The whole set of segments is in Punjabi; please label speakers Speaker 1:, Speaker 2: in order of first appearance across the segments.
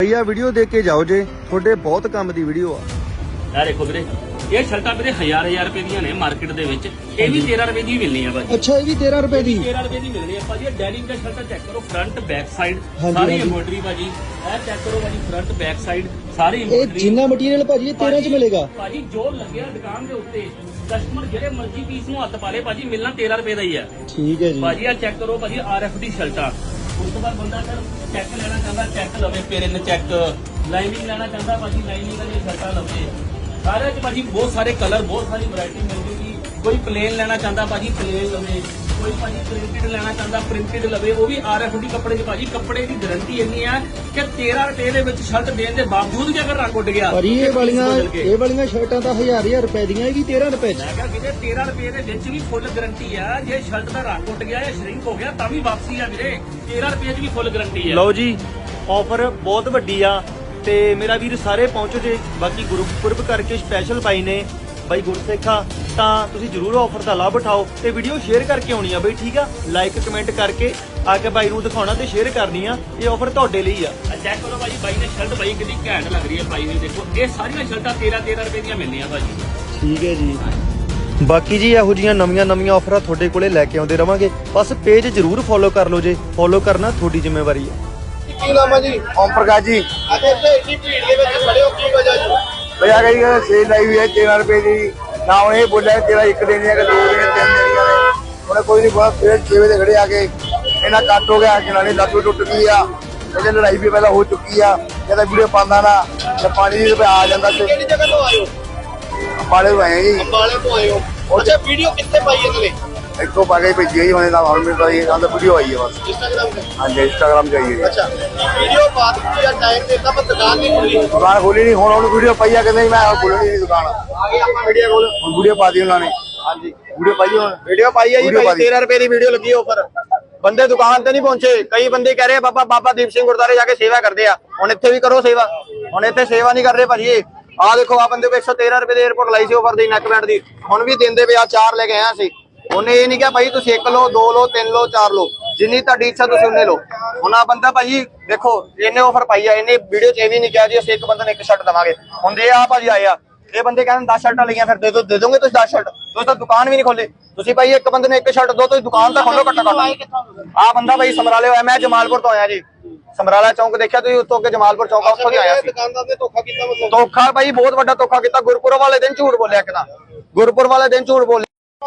Speaker 1: भैया वीडियो देख के जाओ जे थोड़े बहुत काम दी वीडियो आ।
Speaker 2: ਯਾਰ ਦੇਖੋ ਵੀਰੇ ਇਹ ਸ਼ਰਟਾਂ ਵੀਰੇ ਹਜ਼ਾਰ ਰੁਪਏ ਦੀਆਂ ਨੇ ਮਾਰਕੀਟ ਦੇ ਵਿੱਚ ਇਹ ਵੀ 13 ਰੁਪਏ ਦੀ ਮਿਲਣੀ ਆ ਭਾਜੀ।
Speaker 3: ਅੱਛਾ ਇਹ ਵੀ 13 ਰੁਪਏ ਦੀ
Speaker 2: 13 ਰੁਪਏ ਦੀ ਮਿਲਣੀ ਆ ਭਾਜੀ। ਇਹ ਡੈਨਿਮ ਦਾ ਸ਼ਰਟਾਂ ਚੈੱਕ ਕਰੋ ਫਰੰਟ ਬੈਕ ਸਾਈਡ
Speaker 3: ਹਾਂਜੀ,
Speaker 2: ਸਾਰੀ
Speaker 3: ਹਾਂਜੀ।
Speaker 2: ਐਮਬੋਡਰੀ ਭਾਜੀ। ਇਹ ਚੈੱਕ ਕਰੋ ਭਾਜੀ ਫਰੰਟ ਬੈਕ ਸਾਈਡ ਸਾਰੀ
Speaker 3: ਇਹ
Speaker 2: ਐਮਬੋਡਰੀ
Speaker 3: ਜਿੰਨਾ ਮਟੀਰੀਅਲ ਭਾਜੀ ਇਹ 13 ਚ ਮਿਲੇਗਾ।
Speaker 2: ਭਾਜੀ ਜੋ ਲੱਗਿਆ ਦੁਕਾਨ ਦੇ ਉੱਤੇ ਕਸਟਮਰ ਜਿਹੜੇ ਮਰਜ਼ੀ ਪੀਸ ਨੂੰ ਹੱਥ ਪਾ ਲੇ ਭਾਜੀ ਮਿਲਣਾ 13 ਰੁਪਏ ਦਾ ਹੀ ਆ
Speaker 3: ਠੀਕ ਹੈ ਜੀ
Speaker 2: ਭਾਜੀ। ਆ ਚੈੱਕ ਕਰੋ ਭਾਜੀ RFD ਸ਼ਰਟਾਂ। ਉਸ ਤੋਂ ਬਾਅਦ ਬੰਦਾ ਸਰ ਚੈੱਕ ਲੈਣਾ ਚਾਹੁੰਦਾ ਚੈੱਕ ਲਵੇ ਪੇਰਨ ਚੈੱਕ ਲਾਈਨਿੰਗ ਲੈਣਾ ਚਾਹੁੰਦਾ ਭਾਜੀ ਲਾਈਨਿੰਗ ਵਾਲੀ ਸ਼ਰਟਾਂ ਲਵੇ। ਸਾਰੇ ਚ ਭਾਜੀ ਬਹੁਤ ਸਾਰੇ ਕਲਰ ਬਹੁਤ ਸਾਰੀ ਵੈਰਾਈਟੀ ਮਿਲ ਜੂਗੀ। ਕੋਈ ਪਲੇਨ ਲੈਣਾ ਚਾਹੁੰਦਾ ਭਾਜੀ ਪਲੇਨ ਲਵੇ, ਕੋਈ ਭਾਜੀ ਪ੍ਰਿੰਟਡ ਲੈਣਾ ਚਾਹੁੰਦਾ ਪ੍ਰਿੰਟਡ ਲਵੇ। ਉਹ ਵੀ RFD ਕੱਪੜੇ ਚ ਭਾਜੀ। ਕੱਪੜੇ ਦੀ ਗਾਰੰਟੀ ਇੰਨੀ ਆ ਕਿ 13 ਰੁਪਏ ਦੇ ਵਿੱਚ ਸ਼ਰਟ ਦੇਣ ਦੇ ਬਾਵਜੂਦ ਜੇ ਅਗਰ ਰੰਗ ਉੱਡ ਗਿਆ
Speaker 3: ਪਰ ਇਹ
Speaker 2: ਤੇ
Speaker 3: ਵਾਲੀਆਂ ਸ਼ਰਟਾਂ ਤਾਂ ਹਜ਼ਾਰ ਰੁਪਏ ਦੀਆਂ ਇਹ ਵੀ 13 ਰੁਪਏ ਚ।
Speaker 2: ਮੈਂ ਕਿਹਾ ਵੀਰੇ 13 ਰੁਪਏ ਦੇ ਵਿੱਚ ਵੀ ਫੁੱਲ ਗਾਰੰਟੀ ਆ। ਜੇ ਸ਼ਰਟ ਦਾ ਰੰਗ ਉੱਡ ਗਿਆ ਜਾਂ ਸ਼ਰਿੰਕ ਹੋ ਗਿਆ ਤਾਂ ਵੀ ਵਾਪਸੀ ਆ ਵੀਰੇ। 13 ਰੁਪਏ 'ਚ ਵੀ ਫੁੱਲ ਗਾਰੰਟੀ ਆ।
Speaker 1: ਲਓ ਜੀ ਆਫਰ ਬਹੁਤ ਵੱਡੀ ਆ ਤੇ ਮੇਰਾ ਵੀਰ ਸਾਰੇ ਪਹੁੰਚੋ ਜੇ। ਬਾਕੀ ਗੁਰਪੁਰਬ ਕਰਕੇ ਸਪੈਸ਼ਲ ਬਾਈ ਨੇ ਬਾਈ ਗੁਰਸੇਖਾ ਤਾਂ ਤੁਸੀਂ ਜਰੂਰ ਆਫਰ ਦਾ ਲਾਭ ਉਠਾਓ ਤੇ ਵੀਡੀਓ ਸ਼ੇਅਰ ਕਰਕੇ ਆਉਣੀ ਆ ਬਈ ਠੀਕ ਆ। ਲਾਈਕ ਕਮੈਂਟ ਕਰਕੇ ਆ ਕੇ ਬਾਈ ਨੂੰ ਦਿਖਾਉਣਾ ਤੇ ਸ਼ੇਅਰ ਕਰਨੀ ਆ। ਇਹ ਆਫਰ ਤੁਹਾਡੇ ਲਈ ਆ।
Speaker 2: ਚੈੱਕ ਕਰੋ ਭਾਈ ਬਾਈ ਨੇ ਸ਼ਰਟ ਭਾਈ ਕਿੰਨੀ ਘੈਂਟ ਲੱਗ ਰਹੀ ਹੈ ਭਾਈ ਨੇ। ਦੇਖੋ ਇਹ ਸਾਰੀਆਂ ਸ਼ਰਟਾਂ 13 ਰੁਪਏ ਦੀਆਂ ਮਿਲਣੀਆਂ ਭਾਜੀ।
Speaker 1: ਠੀਕ ਹੈ ਜੀ। ਬਾਕੀ ਜੀ ਇਹੋ ਜੀਆਂ ਨਵੀਆਂ ਆਫਰਾਂ ਤੁਹਾਡੇ ਕੋਲੇ ਲੈ ਕੇ ਆਉਂਦੇ ਰਵਾਂਗੇ। ਬਸ ਪੇਜ ਜਰੂਰ ਫੋਲੋ ਕਰ ਲਓ ਜੇ। ਫੋਲੋ ਕਰਨਾ ਤੁਹਾਡੀ ਜ਼ਿੰਮੇਵਾਰੀ ਹੈ।
Speaker 4: ਕੀ ਨਾਮ ਹੈ ਜੀ?
Speaker 5: ओम प्रकाश जी
Speaker 4: ਅੱਜ ਇੱਥੇ ਇੰਨੀ ਭੀੜ ਦੇ ਵਿੱਚ ਖੜੇ ਹੋ ਕੀ ਵਜ੍ਹਾ ਜੀ?
Speaker 5: भैया कही सेल आई हुई है 13 रुपए की ना उन्हें ये बोला है 13 एक देनी है कि 2 देनी 3 देनी है उन्हें कोई नहीं बोला। फिर 6 बजे खड़े आके इन्ना कट हो गया जनानी लत भी टुट गई आ लड़ाई भी पहले हो चुकी आ कहता वीडियो पाँदा ना जब पानी आ जाता
Speaker 4: ਕਿਹੜੀ ਜਗ੍ਹਾ ਤੋਂ ਆਏ ਹੋ?
Speaker 5: पाले हुए हैं जी
Speaker 4: ਅੰਬਾਲੇ ਤੋਂ ਆਏ ਹੋ। ਅੱਛਾ ਵੀਡੀਓ ਕਿੱਥੇ ਪਾਈ ਇਹਨਾਂ ਨੇ?
Speaker 5: एक तो पागे भेजी है मैंने नाम हॉल में तो ये तो वीडियो आई है बस।
Speaker 4: ਇੰਸਟਾਗ੍ਰਾਮ ਤੇ।
Speaker 5: हाँ जी इंस्टाग्राम पे आई है।
Speaker 4: ਅੱਛਾ ਵੀਡੀਓ ਪਾ ਦਿੱਤੀ ਜਾਂ ਟਾਈਮ ਦੇਤਾ ਪਰ ਦੁਕਾਨ ਨਹੀਂ ਖੁੱਲੀ।
Speaker 5: दुकान खोली नहीं हूँ वीडियो पाई है कि नहीं मैं खोलनी नहीं दुकान
Speaker 4: ਆਗੇ ਆਪਾਂ ਵੀਡੀਓ ਕੋਲ
Speaker 5: वीडियो पा दी उन्होंने।
Speaker 4: हाँ जी
Speaker 5: वीडियो पाई है
Speaker 4: ਵੀਡੀਓ ਪਾਈ ਹੈ ਜੀ
Speaker 5: ਵੀਡੀਓ
Speaker 4: ਭਾਈ।
Speaker 5: ਪਾ ਦੀ।
Speaker 4: 13 ਰੁਪਏ ਦੀ ਵੀਡੀਓ ਲੱਗੀ ਆਫਰ। ਬੰਦੇ ਦੁਕਾਨ ਤੇ ਨਹੀਂ ਪਹੁੰਚੇ। ਕਈ ਬੰਦੇ ਕਹਿ ਰਹੇ ਬਾਬਾ ਦੀਪ ਸਿੰਘ ਗੁਰਦਾਰੇ ਜਾ ਕੇ ਸੇਵਾ ਕਰਦੇ ਆ। ਹੁਣ ਇੱਥੇ ਵੀ ਕਰੋ ਸੇਵਾ। ਹੁਣ ਇੱਥੇ ਸੇਵਾ ਨਹੀਂ ਕਰ ਰਹੇ ਭਾਜੀ। ਆਹ ਦੇਖੋ ਆ ਬੰਦੇ ਕੋ 113 ਰੁਪਏ ਦੇ 에어ਪੋਰਟ ਲਾਈ ਸੀ ਆਫਰ ਦੀ ਨੈਕ ਬੈਂਡ ਦੀ। ਹੁਣ ਵੀ ਦਿੰਦੇ ਪਏ ਆ। 4 ਲੈ ਕੇ ਆਇਆ ਸੀ। ਉਹਨੇ ਇਹ ਨਹੀਂ ਕਿਹਾ ਭਾਈ ਤੁਸੀਂ 1 ਲਓ 2 ਲਓ 3 ਲਓ 4 ਲਓ ਜਿੰਨੀ ਤੁਹਾਡੀ ਇੱਛਾ ਤੁਸੀਂ ਉਹਨੇ ਲਓ। ਹੁਣ ਆ ਬੰਦਾ ਭਾਜੀ ਦੇਖੋ ਇਹਨੇ ਆਫਰ ਪਾਈ ਆ। ਇਹਨੇ ਵੀਡੀਓ 'ਚ ਇਹ ਵੀ ਨਹੀਂ ਕਿਹਾ ਜੀ ਅਸੀਂ ਇੱਕ ਬੰਦੇ ਨੂੰ ਇੱਕ ਸ਼ਰਟ ਦਵਾਂਗੇ। ਹੁਣ ਜੇ ਆ ਭਾਜੀ ਆਏ ਆ ਇਹ ਬੰਦੇ ਕਹਿੰਦੇ 10 ਸ਼ਰਟਾਂ ਲਈਆਂ ਫਿਰ ਦੇ ਦੋਗੇ ਤੁਸੀਂ 10 ਸ਼ਰਟ। ਤੁਸੀਂ ਤਾਂ ਦੁਕਾਨ ਵੀ ਨਹੀਂ ਖੋਲੇ। ਤੁਸੀਂ ਭਾਈ ਇੱਕ ਬੰਦੇ ਨੂੰ ਇੱਕ ਸ਼ਰਟ ਦੋ ਤੁਸੀਂ ਦੁਕਾਨ ਤਾਂ ਖੋਲੋ ਘੱਟੋ ਘੱਟ। ਆ ਬੰਦਾ ਭਾਈ ਸਮਰਾਲੇ ਹੋਇਆ। ਮੈਂ ਜਮਾਲਪੁਰ ਤੋਂ ਆਇਆ ਜੀ। ਸਮਰਾਲਾ ਚੌਂਕ ਦੇਖਿਆ ਤੁਸੀਂ ਉੱਤੋਂ ਅੱਗੇ ਜਮਾਲਪੁਰ ਚੌਂਕ ਆ ਉੱਥੋਂ ਦੀ ਆਇਆ ਸੀ। ਦੁਕਾਨਦਾਰ ਨੇ ਧੋਖਾ ਕੀਤਾ ਮਤਲਬ?
Speaker 5: ਧੋਖਾ ਭਾਈ ਬਹੁਤ ਵੱਡਾ ਧੋਖਾ ਕੀਤਾ। ਗੁਰਪੁਰਬ ਵਾਲੇ ਦਿਨ ਝੂਠ ਬੋਲਿਆ ਕਿਦਾਂ। ਗੁਰਪੁਰਬ ਵਾਲੇ ਦਿਨ ਝੂਠ ਬੋਲਿਆ।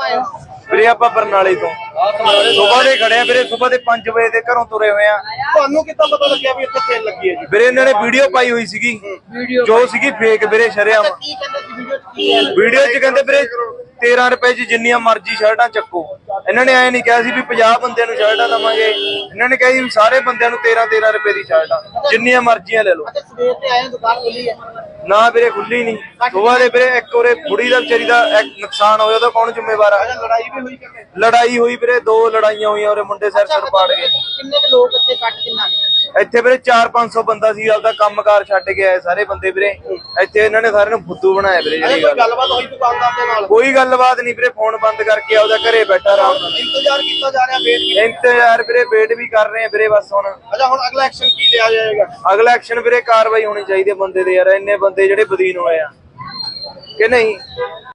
Speaker 5: ਵੀਰੇ ਆਪਾਂ ਬਰਨਾਲੇ ਤੋਂ ਸਵੇਰ ਦੇ ਖੜੇ ਆ ਵੀਰੇ। ਸਵੇਰ ਦੇ 5 ਵਜੇ ਦੇ ਘਰੋਂ ਤੁਰੇ ਹੋਏ ਆ।
Speaker 4: ਤੁਹਾਨੂੰ ਕਿੱਦਾਂ ਪਤਾ ਲੱਗਿਆ ਵੀ ਇੱਥੇ ਸੇਲ ਲੱਗੀ ਹੈ ਜੀ?
Speaker 5: ਵੀਰੇ ਇਹਨਾਂ ਨੇ ਵੀਡੀਓ ਪਾਈ ਹੋਈ ਸੀਗੀ ਜੋ ਸੀਗੀ ਫੇਕ ਵੀਰੇ ਸ਼ਰੇਆਮ।
Speaker 4: ਕੀ ਕਹਿੰਦੇ ਸੀ ਵੀਡੀਓ 'ਚ ਕੀ ਹੈ?
Speaker 5: ਵੀਡੀਓ 'ਚ ਕਹਿੰਦੇ ਵੀਰੇ 13 ਰੁਪਏ 'ਚ ਜਿੰਨੀਆਂ ਮਰਜ਼ੀ ਸ਼ਰਟਾਂ ਚੱਕੋ। ਇਹਨਾਂ ਨੇ ਐ ਨਹੀਂ ਕਿਹਾ ਸੀ ਵੀ 50 ਬੰਦਿਆਂ ਨੂੰ ਸ਼ਰਟਾਂ ਦਵਾਂਗੇ। ਇਹਨਾਂ ਨੇ ਕਿਹਾ ਸੀ ਸਾਰੇ ਬੰਦਿਆਂ ਨੂੰ 13 ਰੁਪਏ ਦੀ ਸ਼ਰਟਾਂ ਜਿੰਨੀਆਂ ਮਰਜ਼ੀਆਂ ਲੈ ਲਓ।
Speaker 4: ਅੱਛਾ ਸਵੇਰ ਤੇ ਆਏ ਦੁਕਾਨ ਖੁੱਲੀ ਹੈ?
Speaker 5: ਨਾ ਵੀਰੇ ਖੁੱਲੀ ਨਹੀਂ। ਸਵੇਰ ਦੇ ਵੀਰੇ ਇੱਕ ਉਹਰੇ ਬੁੜੀ ਦਾ ਵਿਚਾਰੀ ਦਾ ਨੁਕਸਾਨ ਹੋਇਆ ਉਹਦਾ ਕੌਣ ਜ਼ਿੰਮੇਵਾਰ ਆ?
Speaker 4: ਲੜਾਈ ਵੀ ਹੋਈ ਕਿਤੇ?
Speaker 5: ਲੜਾਈ ਹੋਈ ਵੀਰੇ 2 ਲੜਾਈਆਂ ਹੋਈਆਂ ਉਹਰੇ ਮੁੰਡੇ ਸਿਰ ਪਾੜ ਗਏ।
Speaker 4: ਕਿੰਨੇ ਕੁ ਲੋਕ ਇੱਥੇ ਕੱਟ ਕਿੰਨਾ ਨੇ?
Speaker 5: ਇੱਥੇ ਵੀਰੇ 400-500 ਬੰਦਾ ਸੀ ਆਪਦਾ ਕੰਮਕਾਰ ਛੱਡ ਕੇ ਆਏ ਸਾਰੇ ਬੰਦੇ ਵੀਰੇ। ਇੱਥੇ ਇਹਨਾਂ ਨੇ ਸਾਰਿਆਂ ਨੂੰ ਫੁੱਦੂ ਬਣਾਇਆ ਵੀਰੇ। ਜਿਹੜੀ
Speaker 4: ਕੋਈ ਗੱਲਬਾਤ ਹੋਈ ਦੁਕਾਨਦਾਰ ਦੇ ਨਾਲ?
Speaker 5: ਕੋਈ ਗੱਲਬਾਤ ਨਹੀਂ ਵੀਰੇ। ਫੋਨ ਬੰਦ ਕਰਕੇ ਆਪਦਾ ਘਰੇ ਬੈਠਾ ਆਰਾਮ ਨਾਲ
Speaker 4: ਇੰਤਜ਼ਾਰ ਕੀਤਾ ਜਾ ਰਿਹਾ ਵੇਟ ਕੀਤਾ।
Speaker 5: ਇੰਤਜ਼ਾਰ ਵੀਰੇ ਵੇਟ ਵੀ ਕਰ ਰਹੇ ਆ ਵੀਰੇ। ਬਸ ਹੁਣ
Speaker 4: ਅੱਛਾ ਹੁਣ ਅਗਲਾ ਐਕਸ਼ਨ ਕੀ ਲਿਆ ਜਾਏਗਾ?
Speaker 5: ਅਗਲਾ ਐਕਸ਼ਨ ਵੀਰੇ ਕਾਰਵਾਈ ਹੋਣੀ ਚਾਹੀਦੀ ਹੈ ਬੰਦੇ ਦੇ। ਯਾਰ ਇੰਨੇ ਬੰਦੇ ਜਿਹੜੇ ਬਦੀਨ ਹੋਏ ਆ ਕਿ ਨਹੀਂ।